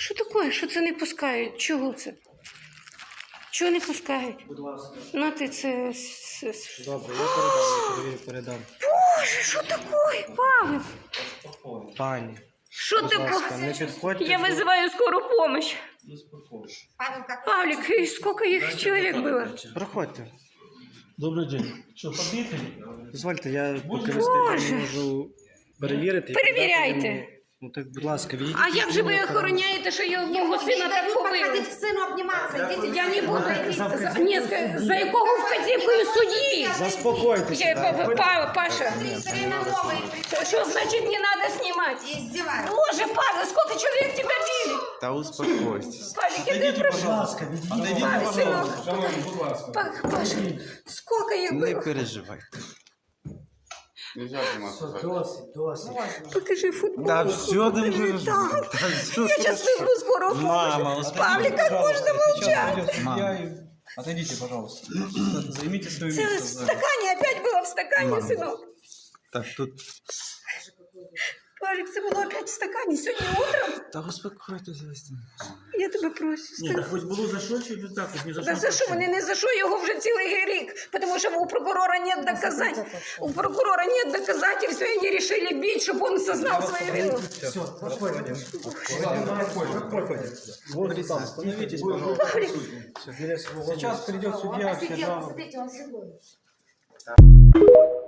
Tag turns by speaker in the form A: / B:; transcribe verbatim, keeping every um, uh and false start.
A: Що таке? Що це не пускають? Чого це? Чого не пускають?
B: Будь ласка.
A: На ти це...
B: Добре, я передам, я передам.
A: Боже, що таке, Павлик?
B: Пані,
A: Що
B: будь
A: ти
B: ласка, не підходьте.
A: Я вызываю скорую помощь.
C: Павел, как
A: Павлик, и сколько их человек было?
B: Проходьте.
D: Добрий день. Що, побити?
B: Дозвольте, я поки
A: Боже.
B: не можу перевірити. і
A: Перевіряйте.
B: передати йому. Ну так, будь ласка, відійдіть.
A: А як же ви охороняєте, що його мого сина так
C: дают
A: побили?
C: подходить к сыну обниматься? Идите,
A: Я не буду. За, ні, за якого вказівкою судді?
B: Заспокойтеся.
A: Я,
B: да.
A: па- па- Паша,
C: все время новые.
A: що значить не надо снимать?
C: Издеваются.
A: Боже, Павел, сколько человек тебя били?
E: Та успокойтесь.
A: Павлик, я тебе прошу.
B: ласка, відійдіть.
A: Павел, сынок. Па- Паша, сколько их
E: Не
A: было?
E: переживайте. Нельзя
B: Все, досить, досить.
A: Покажи футбол.
E: Да все не переживайте.
A: Я сейчас вызову скорую помощь.
E: Мама,
A: Павлик, как можно молчать?
D: Отойдите, пожалуйста. Займите свое
A: Це в
D: место.
A: стакані, опять було в стакані, синок.
E: Так, тут...
A: Павлик, це було опять в стакані. Сьогодні утром.
E: Та успокойтесь.
A: Я тебе прошу.
D: Ні, так хоч було за що, чи так, хоч не за
A: Да
D: що?
A: за що? Вони не за що, його вже цілий рік. Тому що у прокурора нет доказательств. У прокурора нет доказательств, и они решили бить, чтобы он сознал свою вину.
B: Все, проходим. Проходим.
D: Вот там, остановитесь, пожалуйста.
A: Павлик,
D: Сейчас придет судья, все
C: Посидел,
D: жалобы.
C: посмотрите, он сегодня.